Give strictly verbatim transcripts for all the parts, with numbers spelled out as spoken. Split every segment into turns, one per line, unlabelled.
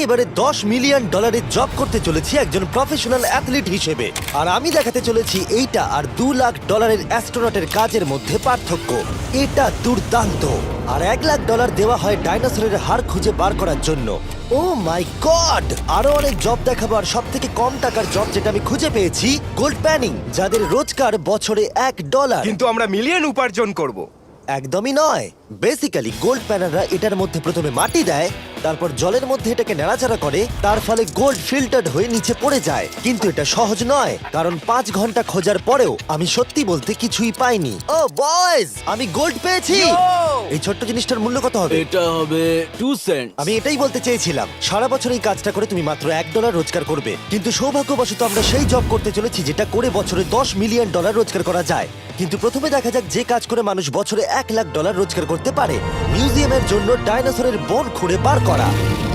এবারে দশ মিলিয়ন ডলারের জব করতে চলেছি একজন প্রফেশনাল অ্যাথলিট হিসেবে, আর আমি দেখাতে চলেছি এইটা আর দু লাখ ডলারের অ্যাস্ট্রোনটের কাজের মধ্যে পার্থক্য। এটা দুর্দান্ত। আর এক লাখ ডলার দেওয়া হয় ডাইনোসরের হাড় খুঁজে বার করার জন্য। Oh my god! আরো অনেক জব দেখাবো, আর সব থেকে কম টাকার জব যেটা আমি খুঁজে পেয়েছি, গোল্ড প্যানিং, যাদের রোজগার বছরে এক ডলার।
কিন্তু আমরা মিলিয়ন উপার্জন করব।
একদমই নয়। বেসিক্যালি গোল্ড প্যানাররা এটার মধ্যে প্রথমে মাটি দেয়, তারপর জলের মধ্যে এটাকে নাড়াচাড়া করে, তার ফলে গোল্ড ফিল্টার্ড হয়ে নিচে পড়ে যায়। কিন্তু এটা সহজ নয়, কারণ পাঁচ ঘন্টা খোঁজার পরেও আমি সত্যি বলতে কিছুই পাইনি। ও বয়েজ, আমি গোল্ড পেয়েছি। এই ছোট্ট জিনিসটার মূল্য কত হবে?
এটা হবে টু সেন্ট।
আমি এটাই বলতে চেয়েছিলাম। সারা বছর এই কাজটা করে তুমি মাত্র এক ডলার রোজগার করবে, কিন্তু সৌভাগ্যবশত আমরা সেই জব করতে চলেছি যেটা করে বছরে দশ মিলিয়ন ডলার রোজগার করা যায়। কিন্তু প্রথমে দেখা যাক যে কাজ করে মানুষ বছরে এক লাখ ডলার রোজগার করতে পারে। মিউজিয়ামের জন্য ডাইনোসরের বোন খুঁড়ে বার করা।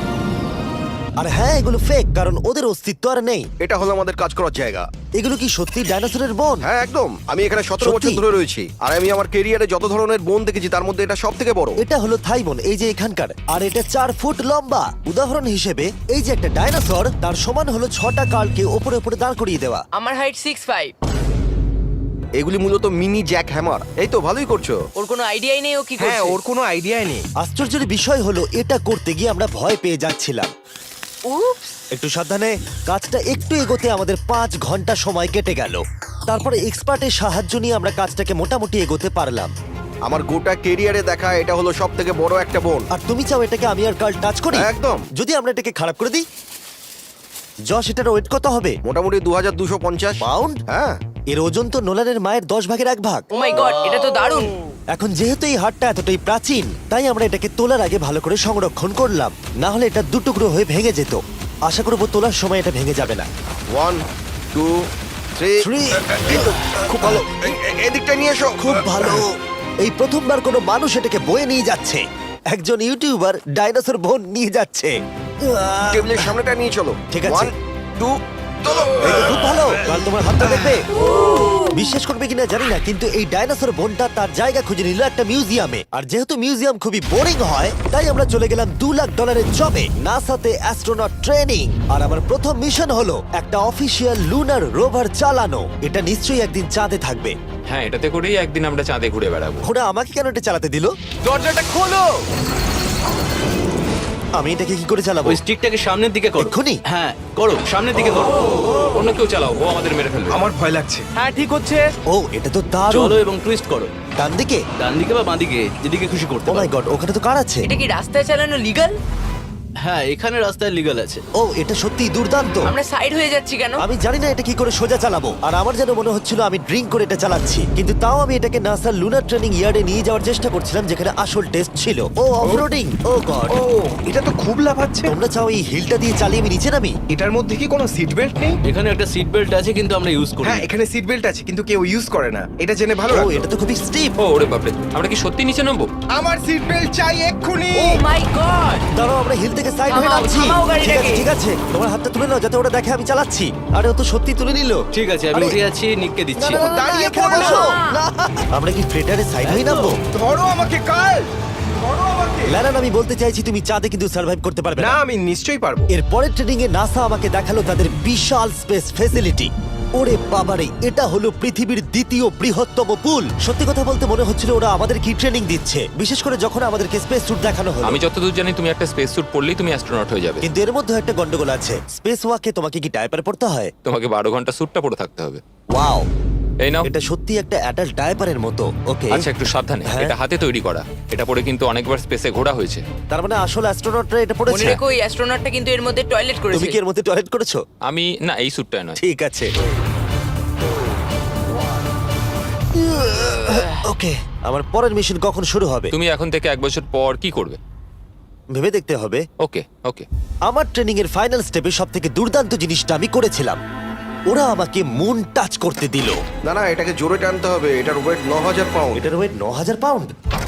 আর হ্যাঁ, এগুলো ফেক, কারণ ওদের অস্তিত্ব আর নেই।
এটা হলো আমাদের কাজ করার জায়গা।
এগুলো কি সত্যি ডাইনোসরের বোন?
হ্যাঁ একদম, আমি এখানে সতেরো
সত্যি?
বছর ধরে রয়েছি, আর আমি আমার কেরিয়ারে যত ধরনের বোন দেখেছি তার মধ্যে এটা সব থেকে বড়।
এটা হলো থাই বোন, এই যে এখানকার, আর এটা চার ফুট লম্বা। উদাহরণ হিসেবে এই যে একটা ডাইনোসর, তার সমান হলো ছটা কালকে ওপরে ওপরে দাঁড় করিয়ে দেওয়া।
আমার হাইট সিক্স ফাইভ।
এগুলি মূলত মিনি জ্যাক হ্যামার। এই তো ভালোই করছো।
ওর কোনো আইডিয়াই নেই ও কি
হ্যাঁ,
করছে।
ওর কোনো আইডিয়াই নেই।
আশ্চর্যের বিষয় হলো এটা করতে গিয়ে আমরা ভয় পেয়ে যাচ্ছিলাম।
উপস।
একটু সাবধানে। কাজটা একটু এগোতে আমাদের পাঁচ ঘন্টা সময় কেটে গেল। তারপরে এক্সপার্টের সাহায্য নিয়ে আমরা কাজটাকে মোটামুটি এগোতে পারলাম।
আমার গোটা কেরিয়ারে দেখা এটা হলো সব থেকে বড় একটা বোন।
আর তুমি চাও এটাকে আমি আর কাল টাচ করি?
একদম।
যদি আমরা এটাকে খারাপ করে দিই? যশ, এটার ওয়েট কত হবে?
মোটামুটি দু হাজার দুশো পঞ্চাশ
পাউন্ড?
হ্যাঁ।
এর ওজন তো নোলানের মায়ের দশ ভাগের এক ভাগ।
ও মাই গড, এটা তো দারুণ।
এখন যেহেতু এই হাটটা এতটাই প্রাচীন, তাই আমরা এটাকে তোলার আগে ভালো করে সংরক্ষণ করলাম, না হলে এটা দুটুকরো হয়ে ভেঙে যেত। আশা করবো তোলার সময় এটা ভেঙে যাবে না।
One two three
Three.
খুব ভালো। এ- এ- এদিকটা নিয়ে এসো।
খুব ভালো। এই প্রথমবার কোনো মানুষ এটাকে বয়ে নিয়ে যাচ্ছে। একজন ইউটিউবার ডাইনোসর বোন নিয়ে যাচ্ছে। আহ,
টেবিলের সামনেটা নিয়ে চলো।
ঠিক আছে।
ওয়ান টু চলো।
এই তো খুব ভালো। কাল তোমার হাতটা দেখবে। বিশ্বাস করবে কিনা জানি না, কিন্তু এই ডাইনোসর বোনটা তার জায়গা খুঁজে নিল একটা মিউজিয়ামে। আর যেহেতু মিউজিয়াম খুবই বোরিং হয়, তাই আমরা চলে গেলাম দু লাখ ডলারের জবে, নাসাতে অ্যাস্ট্রোনট ট্রেনিং। আর আমার প্রথম মিশন হলো একটা অফিসিয়াল লুনার রোভার চালানো। এটা নিশ্চয়ই একদিন চাঁদে থাকবে।
হ্যাঁ, এটাতে করেই একদিন আমরা চাঁদে ঘুরে বেড়াবো।
ওরা আমাকে কেন এটা চালাতে দিল?
দরজাটা খোলো।
আমি এটাকে কি করে চালাবো?
ওই স্টিকটাকে সামনের দিকে করো।
এক্ষুনি?
হ্যাঁ করো, সামনের দিকে করো।
অন্য কেউ চালাও, ও আমাদের মেরে ফেলবে।
আমার ভয় লাগছে। হ্যাঁ, ঠিক হচ্ছে।
ও, এটা তো দারুণ।
চলো এবং টুইস্ট করো,
ডান দিকে?
ডান দিকে বা বাঁ দিকে, যেদিকে খুশি করতে
ও মাই
পারো।
গড, ওখানে তো কার আছে?
এটা কি রাস্তায় চালানো লিগাল?
হ্যাঁ, এখানে রাস্তায় লিগ্যাল আছে।
ও, এটা সত্যি দুর্দান্ত।
আমরা সাইড হয়ে যাচ্ছি কেন?
আমি জানি না এটা কি করে সোজা চালাবো, আর আমার যেন মনে হচ্ছিল আমি ড্রিঙ্ক করে এটা চালাচ্ছি। কিন্তু তাও আমি এটাকে নাসার লুনার ট্রেনিং ইয়ার্ডে নিয়ে যাওয়ার চেষ্টা করছিলাম, যেখানে আসল টেস্ট ছিল। ও অফরোডিং। ও গড।
ও, এটা তো খুব লাফাচ্ছে।
তোমরা চাও এই হিলটা দিয়ে চালিয়ে আমি নিচে নামি?
এটার মধ্যে কি কোনো সিট বেল্ট নেই?
এখানে একটা সিট বেল্ট আছে, কিন্তু আমরা ইউজ করি না।
হ্যাঁ, এখানে সিট বেল্ট আছে, কিন্তু কেউ ইউজ করে না। এটা জেনে ভালো
ও,
লাগলো।
এটা তো খুবই স্টিপ।
ও ওরে বাপরে, আমরা কি সত্যি নিচে নামবো?
আমার সিট বেল্ট চাই এক্ষুনি।
Oh my god.
দাঁড়াও, আমরা হিল থেকে সাইড হয়ে
থামাও,
নামছি।
থামাও
ঠিক আছে,
গাড়িটাকে।
ঠিক আছে, তোমার হাতটা তুলে নাও যাতে ওরা দেখে আমি চালাচ্ছি। আরে ও তো সত্যি তুলে নিল।
ঠিক আছে, আমি
আরে-
উঠে যাচ্ছি, নিককে
না,
দিচ্ছি।
না, না, না,
দাঁড়িয়ে
এখানে
পড়ো।
বসো। না। আমরা কি ফ্রেটারে সাইড হয়ে নামবো?
ধরো আমাকে কাল। ধরো আমাকে।
ল্যারান, আমি বলতে চাইছি তুমি চাঁদে কিন্তু সার্ভাইভ করতে পারবে
না,
না।
আমি নিশ্চয়ই পারবো।
এর পরের ট্রেনিং এ নাসা আমাকে দেখালো তাদের বিশাল স্পেস ফেসিলিটি। ওরে বাবারে, এটা হলো পৃথিবীর দ্বিতীয় বৃহত্তম পুল। সত্যি কথা বলতে মনে হচ্ছিল ওরা আমাদের কি ট্রেনিং দিচ্ছে, বিশেষ করে যখন আমাদেরকে স্পেস স্যুট দেখানো হলো।
আমি যতদূর জানি তুমি একটা স্পেস স্যুট পরলেই তুমি অ্যাস্ট্রোনট হয়ে যাবে।
কিন্তু এর মধ্যে একটা গন্ডগোল আছে। স্পেস ওয়াকে তোমাকে কি ডায়পার পড়তে হয়?
তোমাকে বারো ঘন্টা স্যুটটা পরে থাকতে হবে।
ওয়াও,
এই নাও।
এটা সত্যি একটা অ্যাডাল্ট ডায়পারের মতো। ওকে,
আচ্ছা, একটু সাবধানে।
হ্যাঁ।
এটা হাতে তৈরি করা। এটা পরে কিন্তু অনেকবার স্পেসে ঘোরা হয়েছে।
তার মানে আসল অ্যাস্ট্রোনটরা এটা
মনে
পড়েছে।
রেখো, ওই অ্যাস্ট্রোনটটা কিন্তু এর মধ্যে টয়লেট
তুমি
করেছে।
কি এর মধ্যে টয়লেট করেছো?
আমি না, এই স্যুটটা নয়।
ঠিক আছে। ওকে, আমার পরের মিশন কখন শুরু হবে
তুমি এখন থেকে এক বছর পর কি করবে?
ভেবে দেখতে হবে।
ওকে ওকে।
আমার ট্রেনিং এর ফাইনাল স্টেপে সব থেকে দুর্দান্ত জিনিসটা আমি করেছিলাম। ওরা আমাকে মুন টাচ করতে দিল।
না না, এটাকে জোরে টানতে হবে। এটার ওয়েট ন হাজার পাউন্ড।
এটার ওয়েট ন হাজার পাউন্ড।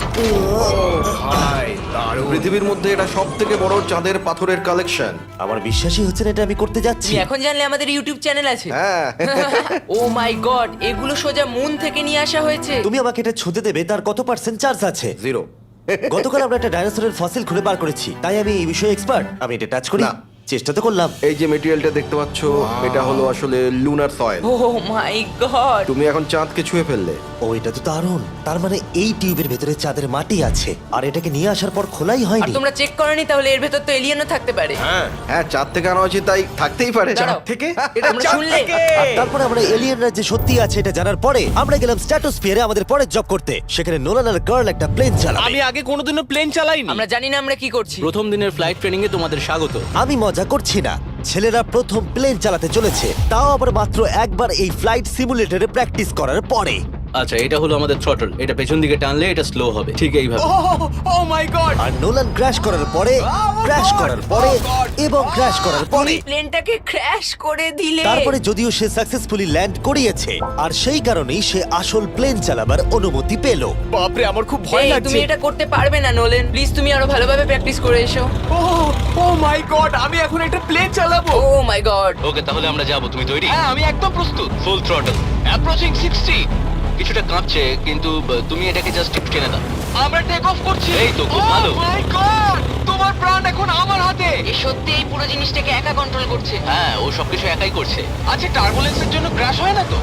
ভাই, দারুণ।
পৃথিবীর মধ্যে এটা সব থেকে বড় চাঁদের পাথরের কালেকশন।
আমার বিশ্বাসই হচ্ছে না এটা আমি করতে যাচ্ছি।
তুমি এখন জানলে আমাদের ইউটিউব চ্যানেল আছে।
হ্যাঁ।
ও মাই গড, এগুলো সোজা মুন থেকে নিয়ে আসা হয়েছে।
তুমি আমাকে এটা ছুঁতে দেবে, তার কত পার্সেন্ট চার্জ আছে?
জিরো।
গতকাল আমরা একটা ডাইনোসরের ফসিল খুঁজে বার করেছি, তাই আমি এই বিষয়ে এক্সপার্ট। আমি এটা টাচ করি।
না।
চেষ্টা তো করলাম।
এই যে মেটেরিয়ালটা দেখতে পাচ্ছ, এটা হলো আসলে lunar soil.
Oh my god
তুমি এখন চাঁদকে ছুঁয়ে ফেললে।
ও এটা তো দারুণ। তার মানে এই টিউবের ভেতরে চাঁদের মাটি আছে আর এটাকে নিয়ে আসার পর খোলাই
আর
হয়নি।
তোমরা চেক করনি তাহলে এর ভেতর তো এলিয়েনও থাকতে পারে
হ্যাঁ
হ্যাঁ, চাঁদ থেকে আনা হয়েছে তাই থাকতেই পারে।
দাঁড়াও।
থেকে এটা
তোমরা
চাঁদ
শুনলে?
থেকে।
আর তারপরে আমরা এলিয়েনরা যে সত্যি আছে এটা জানার পরে আমরা গেলাম স্ট্র্যাটোস্ফিয়ারে আমাদের পরের জব করতে। সেখানে নোলান আর গার্ল একটা প্লেন চালাবে।
আমি আগে কোনোদিনও প্লেন চালাইনি।
আমরা জানি না আমরা কি করছি
প্রথম দিনের ফ্লাইট ট্রেনিং এ তোমাদের স্বাগত।
আমি মজা করছি না, ছেলেরা প্রথম প্লেন চালাতে চলেছে, তাও আবার মাত্র একবার এই ফ্লাইট সিমুলেটরে প্র্যাকটিস করার পরে।
আচ্ছা, এটা হলো আমাদের থ্রটল। এটা পেছন দিকে টানলে এটা স্লো হবে, ঠিক এইভাবে।
Oh my god.
আর নোলান ক্র্যাশ করার পরে, ক্র্যাশ করার পরে এবং ক্র্যাশ করার পরে,
প্লেনটাকে ক্র্যাশ করে দিলে
তারপরে যদিও সে সাকসেসফুলি ল্যান্ড করিয়েছে আর সেই কারণেই সে আসল প্লেন চালাবার অনুমতি পেল।
বাপরে, আমার খুব ভয়
এই,
লাগছে।
তুমি এটা করতে পারবে না নোলেন, প্লিজ তুমি আরো ভালোভাবে প্র্যাকটিস করে এসো।
ও ও মাই গড, আমি এখন একটা প্লেন চালাবো।
ও মাই গড
ওকে, তাহলে আমরা যাবো। তুমি তৈরি?
হ্যাঁ, আমি একদম প্রস্তুত।
Full throttle, approaching sixty. কিছুটা কাঁপছে, কিন্তু ব- তুমি এটাকে জাস্ট একটু টেনে দাও।
আমরা টেক অফ করছি।
এই তো, খুব ভালো।
ও মাই গড, তোমার প্রাণ এখন আমার হাতে।
এ সত্যি এই পুরো জিনিসটাকে একা কন্ট্রোল করছে।
হ্যাঁ, ও সবকিছু একাই করছে।
আচ্ছা, টার্বুলেন্সের জন্য ক্র্যাশ হয় না তো?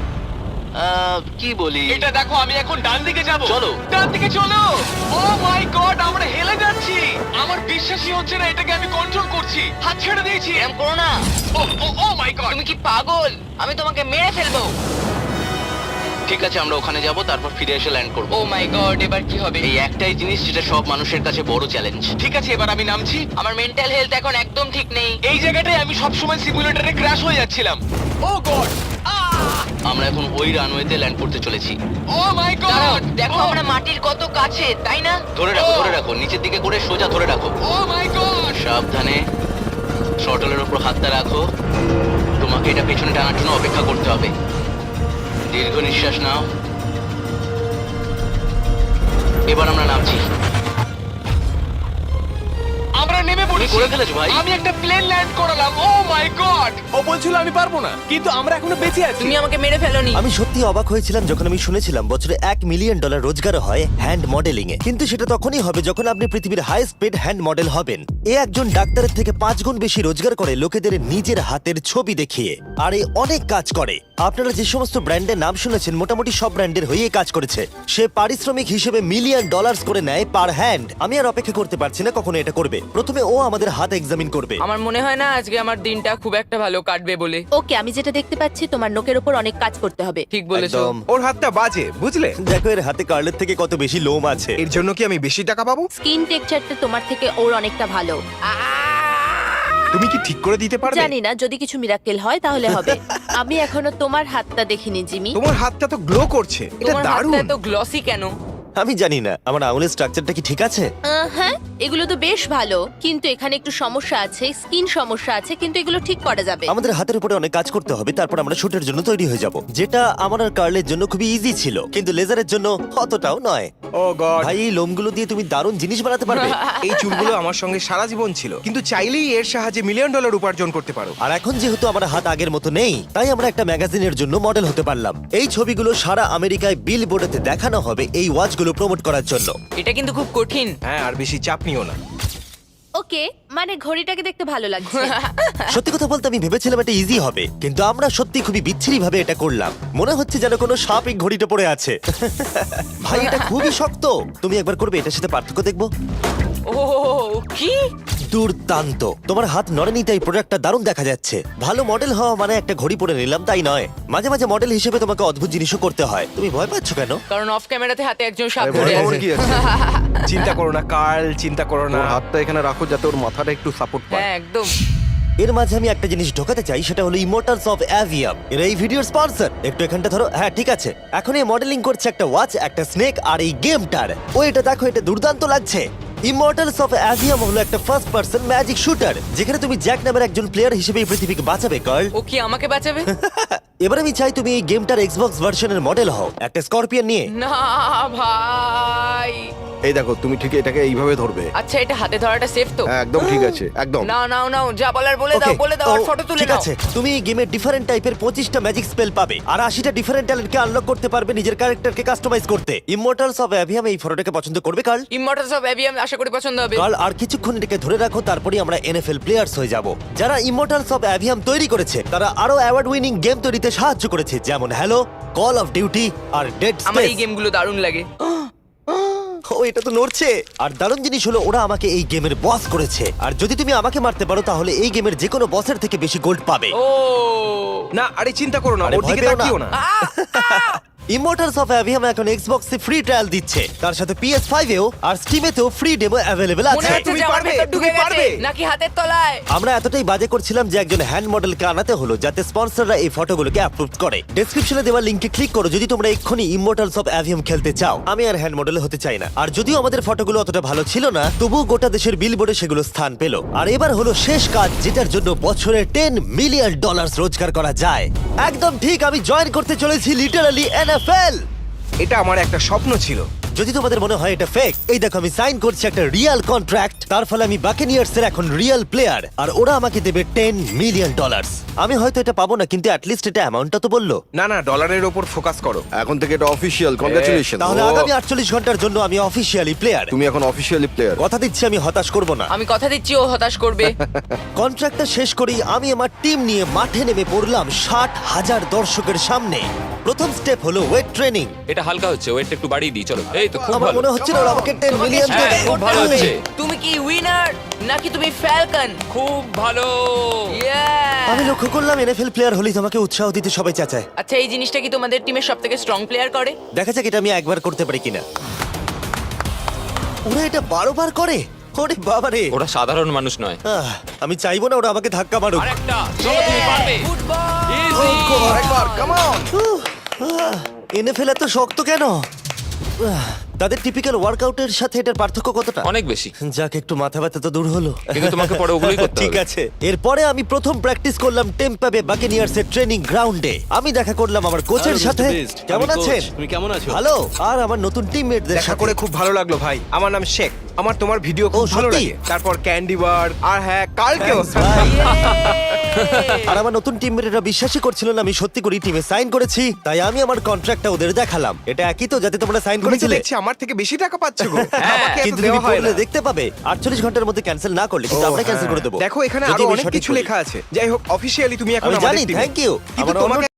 আহ, কি বলি?
এটা দেখো, আমি এখন ডান দিকে যাব।
চলো।
ডান দিকে চলো। ও মাই গড, আমরা হেলে যাচ্ছি। আমার বিশ্বাসই হচ্ছে না এটাকে আমি কন্ট্রোল করছি। হাত ছেড়ে দিয়েছি।
এরম করো না,
ও ও ও মাই গড।
তুমি কি পাগল? আমি তোমাকে মেরে ফেলবো।
ঠিক আছে, আমরা ওখানে যাব, তারপর ফিরে এসে ল্যান্ড করব।
ও মাই গড, এবার কি হবে?
এই একটাই জিনিস যেটা সব মানুষের কাছে বড় চ্যালেঞ্জ।
ঠিক আছে, এবার আমি নামছি।
আমার মেন্টাল হেলথ এখন একদম ঠিক নেই।
এই জায়গাটায় আমি সব সময় সিমুলেটরে ক্র্যাশ হয়ে যাচ্ছিলাম। ও গড,
আমরা এখন ওই রানওয়েতে ল্যান্ড করতে চলেছি।
ও মাই
দাঁড়াও,
গড।
দেখো আমরা মাটির কত কাছে, তাই না?
ধরে রাখো, ধরে রাখো, নিচের দিকে করে সোজা ধরে রাখো।
Oh my god.
সাবধানে শটলের উপর হাতটা রাখো। তোমাকে এটা পেছনে টানার জন্য অপেক্ষা করতে হবে। দীর্ঘ নিঃশ্বাস নাও। এবার আমরা নামছি।
আমরা নেমে
তুমি
পড়েছি।
করে ফেলেছো ভাই।
আমি একটা প্লেন ল্যান্ড করালাম। ও মাই গড। ও বলছিল আমি পারবো না, কিন্তু আমরা এখনো বেঁচে আছি।
তুমি আমাকে মেরে ফেলোনি।
আমি সত্যি অবাক হয়েছিলাম যখন আমি শুনেছিলাম বছরে এক মিলিয়ন ডলার রোজগার হয় হ্যান্ড মডেলিং এ। কিন্তু সেটা তখনই হবে যখন আপনি পৃথিবীর হাইস্ট পেড হ্যান্ড মডেল হবেন। এ একজন ডাক্তারের থেকে পাঁচ গুণ বেশি রোজগার করে লোকেদের নিজের হাতের ছবি দেখিয়ে। আর এ অনেক কাজ করে। আপনারা যে সমস্ত ব্র্যান্ডের নাম শুনেছেন মোটামুটি সব ব্র্যান্ডের হয়েই কাজ করেছে। সে পারিশ্রমিক হিসেবে মিলিয়ন ডলার্স করে নেয় পার হ্যান্ড। আমি আর অপেক্ষা করতে পারছি না কখনো এটা করবে। প্রথমে ও আমাদের হাত এক্সামিন করবে।
আমার মনে হয় না আজকে আমার দিনটা খুব একটা ভালো কাটবে বলে।
ওকে, আমি যেটা দেখতে পাচ্ছি তোমার নোকের উপর অনেক কাজ করতে হবে।
ঠিক বলেছো।
একদম।
ওর হাতটা বাজে, বুঝলে?
দেখো এর হাতে কার্লের থেকে কত বেশি লোম আছে।
এর জন্য কি আমি বেশি টাকা পাবো?
স্কিন টেক্সচারটা তোমার থেকে ওর অনেকটা ভালো।
তুমি কি ঠিক করে দিতে পারবে?
জানি না, যদি কিছু মিরাকেল হয় তাহলে হবে। আমি এখনো তোমার হাতটা দেখিনি জিমি।
তোমার হাতটা তো গ্লো করছে। এটা
তোমার
দারুণ।
হাতটা এত গ্লসি কেন?
আমি জানি না আমার আঙুলের স্ট্রাকচারটা কি ঠিক আছে।
আহ, হ্যাঁ, এগুলো তো বেশ ভালো, কিন্তু এখানে একটু সমস্যা আছে, স্কিন সমস্যা আছে, কিন্তু এগুলো ঠিক করা যাবে।
আমাদের হাতের উপরে অনেক কাজ করতে হবে, তারপর আমরা শুটের জন্য তৈরি হয়ে যাব, যেটা আমার আর কার্লের জন্য খুবই ইজি ছিল, কিন্তু লেজারের জন্য অতটাও নয়।
Oh god.
ভাই এই লোমগুলো দিয়ে তুমি দারুণ জিনিস বানাতে পারবে।
এই চুলগুলো আমার সঙ্গে সারা জীবন ছিল, কিন্তু চাইলেই এর সাহায্যে মিলিয়ন ডলার উপার্জন করতে পারো।
আর এখন যেহেতু আমার হাত আগের মতো নেই, তাই আমরা একটা ম্যাগাজিনের জন্য মডেল হতে পারলাম। এই ছবিগুলো সারা আমেরিকায় বিল বোর্ডেতে দেখানো হবে এই ওয়াচগুলো প্রমোট করার জন্য।
এটা কিন্তু খুব কঠিন।
হ্যাঁ, আর বেশি চাপ নিও না।
ওকে, মানে ঘড়িটাকে দেখতে ভালো লাগছে।
সত্যি কথা বলতে আমি ভেবেছিলাম এটা ইজি হবে, কিন্তু আমরা সত্যি খুবই বিচ্ছিরি ভাবে এটা করলাম। মনে হচ্ছে যেন কোনো সাপ এই ঘড়িটা পড়ে আছে। ভাই এটা খুবই শক্ত। তুমি একবার করবে, এটার সাথে পার্থক্য দেখবো।
ও কি
দুর্দান্ত। তোমার হাত নড়েনি তাই প্রোডাক্টটা দারুণ দেখা যাচ্ছে। ভালো মডেল হওয়া মানে একটা ঘড়ি পরে নিলাম তাই নয়, মাঝে মাঝে মডেল হিসেবে তোমাকে অদ্ভুত জিনিসও করতে হয়। তুমি ভয় পাচ্ছ কেন?
কারণ অফ ক্যামেরাতে হাতে একজন সাপ
আরে
ধরে
ভয় পাওয়ার
আছে।
কি আছে?
চিন্তা করো না কার্ল, চিন্তা করো না।
ওর হাতটা এখানে রাখো যাতে ওর মাথাটা একটু সাপোর্ট পায়।
হ্যাঁ একদম।
এর মাঝে আমি একটা জিনিস ঢোকাতে চাই, সেটা হলো ইমোর্টালস অফ অ্যাভিয়াম। এর এই ভিডিওর স্পন্সর। একটু এখানটা ধরো। হ্যাঁ ঠিক আছে। এখন এই মডেলিং করছে একটা ওয়াচ, একটা স্নেক আর এই গেমটার। ও এটা দেখো, এটা দুর্দান্ত লাগছে। ইমর্টালস অফ অ্যাভিয়াম হলো একটা ফার্স্ট পার্সন ম্যাজিক শুটার, যেখানে তুমি জ্যাক নামের একজন প্লেয়ার হিসেবে এই পৃথিবীকে বাঁচাবে গার্ল।
ও কি আমাকে বাঁচাবে?
এবার আমি চাই তুমি এই গেমটার এক্সবক্স ভার্সনের মডেল হও, একটা স্করপিয়ন নিয়ে।
না ভাই,
এই দেখো তুমি ঠিক এটাকে এইভাবে ধরবে।
আচ্ছা এটা হাতে ধরাটা সেফ তো?
হ্যাঁ, একদম ঠিক আছে, একদম।
নাও নাও নাও, যা বলার বলে দাও,
Okay,
বলে দাও আর
তো
ফটো তুলে
ঠিক
নাও।
আছে, তুমি এই গেমে ডিফারেন্ট টাইপের পঁচিশটা ম্যাজিক স্পেল পাবে আর আশিটা ডিফারেন্ট ট্যালেন্টকে আনলক করতে পারবে নিজের ক্যারেক্টারকে কাস্টমাইজ করতে। ইমমর্টালস অফ অ্যাভিয়াম এই ফটোটাকে পছন্দ করবে কার্ল?
ইমমর্টালস অফ অ্যাভিয়াম আশা করি পছন্দ হবে।
কার্ল, আর কিছুক্ষণ এটাকে ধরে রাখো, তারপরেই আমরা এনএফএল প্লেয়ার্স হয়ে যাব। যারা ইমমর্টালস অফ অ্যাভিয়াম তৈরি করেছে তারা আরো অ্যাওয়ার্ড উইনিং গেম তৈরিতে সাহায্য করেছে, যেমন হ্যালো, কল অফ ডিউটি আর ডেড
আমার এই
স্পেস।
গেমগুলো দারুণ লাগে।
ও, এটা তো নড়ছে। আর দারুণ জিনিস হলো ওরা আমাকে এই গেমের বস করেছে, আর যদি তুমি আমাকে মারতে পারো তাহলে এই গেমের যে কোনো বসের থেকে বেশি গোল্ড পাবে।
ও
না আরে চিন্তা করো না,
আরে
ওর
ভয়
দিকে
পেও না।
তাকিও না।
ইমমর্টালস অফ অ্যাভিয়াম এখন এক্সবক্সে ফ্রি ট্রায়াল দিচ্ছে, তার সাথে পি এস ফাইভ এও আর স্টিমেতেও ফ্রি ডেমো অ্যাভেলেবল
মনে
আছে।
হচ্ছে
তুমি
যে আমার
পারবে,
ভেতর ঢুকে
তুমি
গেছে
পারবে।
নাকি হাতের তলায়।
আমরা এতটাই বাজে করছিলাম যে একজন হ্যান্ড মডেলকে আনাতে হলো যাতে স্পন্সররা এই ফটোগুলোকে অ্যাপ্রুভ করে। ডেসক্রিপশনে দেওয়া লিংকে ক্লিক করো যদি তোমরা এক্ষুনি ইমমর্টালস অফ অ্যাভিয়াম খেলতে চাও। আমি আর হ্যান্ড মডেল হতে চাই না, আর যদিও আমাদের ফটোগুলো অতটা ভালো ছিল না তবুও গোটা দেশের বিলবোর্ডে সেগুলো স্থান পেল। আর এবার হলো শেষ কাজ, যেটার জন্য বছরে টেন মিলিয়ন ডলার রোজগার করা যায়। একদম ঠিক, আমি জয়েন করতে চলেছি লিটারালি এনএফএল।
এটা আমার একটা স্বপ্ন ছিল।
যদি তোমাদের মনে হয় এটা ফেক, এই দেখো আমি সাইন করছি একটা রিয়েল কন্ট্রাক্ট, তার ফলে আমি বাকেনিয়ার্স এর এখন রিয়েল প্লেয়ার, আর ওরা আমাকে দেবে টেন মিলিয়ন ডলার। আমি হয়তো এটা পাবো না, কিন্তু অ্যাটলিস্ট এটা অ্যামাউন্টটা তো বললো।
না না, ডলারের ওপর ফোকাস করো।
এখন থেকে এটা অফিসিয়াল, কংগ্রাচুলেশন।
তাহলে
ও।
আগামী আটচল্লিশ ঘন্টার জন্য আমি অফিসিয়ালি প্লেয়ার।
তুমি এখন অফিসিয়ালি প্লেয়ার।
কথা দিচ্ছি আমি হতাশ করব না।
আমি কথা দিচ্ছি ও হতাশ করবে।
কন্ট্রাক্টটা শেষ করেই আমি আমার টিম নিয়ে মাঠে নেমে পড়লাম ষাট হাজার দর্শকের সামনে। প্রথম স্টেপ হলো ওয়েট ট্রেনিং।
এটা হালকা হচ্ছে, ওয়েটটা একটু বাড়িয়ে দিই চলো। এই তো খুব
আমার
ভালো।
মনে হচ্ছিল ওরা আমাকে টেন
তোমাকে
মিলিয়ন
struggle
দেবে।
খুব
করতে
ভালো
হবে।
হচ্ছে।
তুমি কি উইনার নাকি তুমি ফ্যালকন?
খুব ভালো।
আমি লক্ষ্য করলাম এনএফএল প্লেয়ার হলেই তোমাকে উৎসাহ দিতে সবাই চাচায়।
আচ্ছা এই জিনিসটা কি তোমাদের টিমের সব থেকে স্ট্রং প্লেয়ার করে?
দেখা যাক এটা আমি একবার করতে পারি কিনা। ওরা এটা বারো বার করে? ওরে বাবা রে।
ওরা সাধারণ মানুষ নয়।
আহ, আমি চাইবো না ওরা আমাকে ধাক্কা মারুক।
আরেকটা, চলো তুমি পারবে।
ফুটবল।
Easy!
আরেকবার, কাম অন।
এনএফএল এত শক্ত কেন? আহ, তাদের টিপিক্যাল ওয়ার্কআউটের সাথে এটার পার্থক্য কতটা?
অনেক বেশি।
যাক, একটু মাথা ব্যথা তো দূর হলো।
কিন্তু তোমাকে পরে ওগুলোই করতে
ঠিক
হবে।
আছে। এরপরে আমি প্রথম প্র্যাকটিস করলাম টেম্পা বে বাকেনিয়ার্স এর ট্রেনিং গ্রাউন্ডে। আমি দেখা করলাম আমার কোচের
Hello,
সাথে।
Mister Beast.
কেমন
আমি কোচ।
আছেন?
তুমি কেমন আছো?
ভালো। আর আমার নতুন টিমমেটদের
দেখা
সাথে
করে খুব ভালো লাগলো ভাই। আমার নাম শেখ। আমার তোমার ভিডিও খুব
ও,
ভালো
সত্যি?
লাগে। তারপর ক্যান্ডি বার আর হ্যাঁ কালকেও।
আর আমার নতুন টিমমেটরা বিশ্বাসই করছিল না আমি সত্যি করে টিমে সাইন করেছি, তাই আমি আমার কন্ট্রাক্টটা ওদের দেখালাম। এটা একই তো যাতে তোমরা সাইন
তুমি তো
করেছিলে?
দেখছি আমার থেকে বেশি টাকা পাচ্ছ গো। আমাকে এত
কিন্তু তুমি
দেওয়া হয়
পড়লে
না।
দেখতে পাবে আটচল্লিশ ঘন্টার মধ্যে ক্যান্সেল না করলে কিন্তু
ও,
আমরা ক্যান্সেল
হ্যাঁ।
করে দেবো।
দেখো এখানে
যদি
আরো
আমি
অনেক
সঠিক
কিছু
বলি।
লেখা আছে। যাই হোক অফিসিয়ালি তুমি এখন
আমি
আমাদের
জানি,
টিমে।
Thank you.
কিন্তু
আমার অন্য
তোমাকে